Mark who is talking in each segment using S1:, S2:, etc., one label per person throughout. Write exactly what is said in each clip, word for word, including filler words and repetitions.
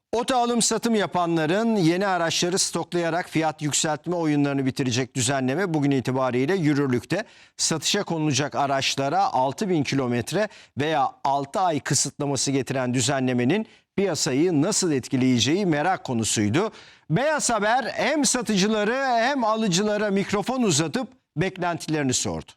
S1: Oto alım satım yapanların yeni araçları stoklayarak fiyat yükseltme oyunlarını bitirecek düzenleme bugün itibariyle yürürlükte. Satışa konulacak araçlara altı bin kilometre veya altı ay kısıtlaması getiren düzenlemenin piyasayı nasıl etkileyeceği merak konusuydu. Beyaz Haber hem satıcıları hem alıcılara mikrofon uzatıp beklentilerini sordu.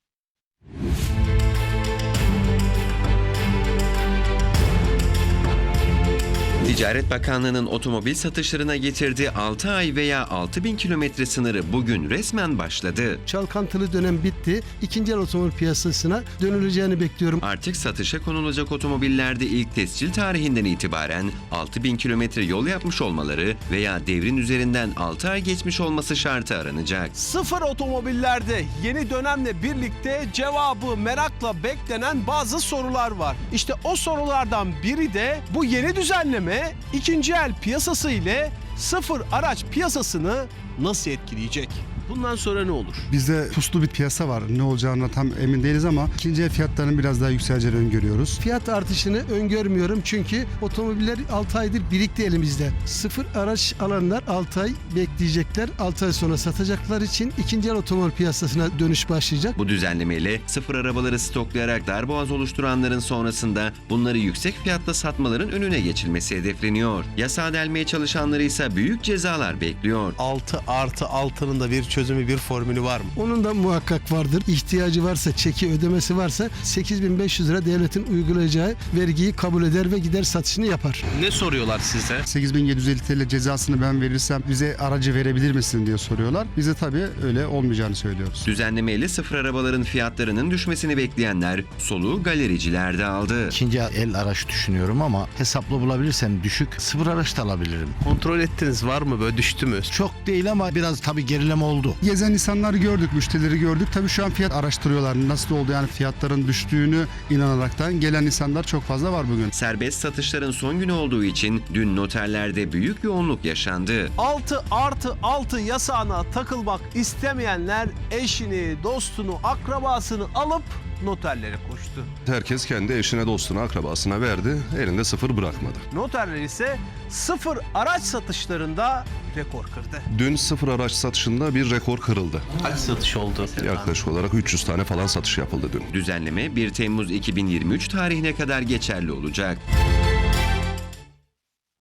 S2: Ticaret Bakanlığı'nın otomobil satışlarına getirdiği altı ay veya altı bin kilometre sınırı bugün resmen başladı.
S3: Çalkantılı dönem bitti. İkinci el otomobil piyasasına dönüleceğini bekliyorum.
S2: Artık satışa konulacak otomobillerde ilk tescil tarihinden itibaren altı bin kilometre yol yapmış olmaları veya devrin üzerinden altı ay geçmiş olması şartı aranacak.
S4: Sıfır otomobillerde yeni dönemle birlikte cevabı merakla beklenen bazı sorular var. İşte o sorulardan biri de bu yeni düzenleme ikinci el piyasası ile sıfır araç piyasasını nasıl etkileyecek? Bundan sonra ne olur?
S5: Bizde puslu bir piyasa var. Ne olacağına tam emin değiliz ama ikinci el fiyatlarının biraz daha yükseleceğini öngörüyoruz.
S3: Fiyat artışını öngörmüyorum çünkü otomobiller altı aydır birikti elimizde. Sıfır araç alanlar altı ay bekleyecekler. altı ay sonra satacaklar için ikinci el otomobil piyasasına dönüş başlayacak.
S2: Bu düzenlemeyle sıfır arabaları stoklayarak darboğaz oluşturanların sonrasında bunları yüksek fiyatla satmaların önüne geçilmesi hedefleniyor. Yasağı delmeye çalışanları ise büyük cezalar bekliyor.
S4: altı artı altının da bir çözümü, bir formülü var mı?
S3: Onun da muhakkak vardır. İhtiyacı varsa, çeki ödemesi varsa sekiz bin beş yüz lira devletin uygulayacağı vergiyi kabul eder ve gider satışını yapar.
S4: Ne soruyorlar size?
S5: sekiz bin yedi yüz elli T L cezasını ben verirsem bize aracı verebilir misin diye soruyorlar. Bize tabii öyle olmayacağını söylüyoruz.
S2: Düzenlemeyle sıfır arabaların fiyatlarının düşmesini bekleyenler soluğu galericilerde aldı.
S6: İkinci el araç düşünüyorum ama hesaplı bulabilirsem düşük sıfır araç da alabilirim.
S4: Kontrol ettiniz, var mı, böyle düştü mü?
S6: Çok değil ama biraz tabii gerileme oldu.
S5: Gezen insanları gördük, müşterileri gördük. Tabii şu an fiyat araştırıyorlar. Nasıl oldu yani fiyatların düştüğünü inanaraktan gelen insanlar çok fazla var bugün.
S2: Serbest satışların son günü olduğu için dün noterlerde büyük yoğunluk yaşandı.
S4: altı artı altı yasağına takılmak istemeyenler eşini, dostunu, akrabasını alıp noterlere koştu.
S7: Herkes kendi eşine, dostuna, akrabasına verdi. Elinde sıfır bırakmadı.
S4: Noterler ise sıfır araç satışlarında rekor kırdı.
S7: Dün sıfır araç satışında bir rekor kırıldı.
S4: Kaç satış oldu?
S7: Yaklaşık olarak üç yüz tane falan satış yapıldı dün.
S2: Düzenleme bir Temmuz iki bin yirmi üç tarihine kadar geçerli olacak.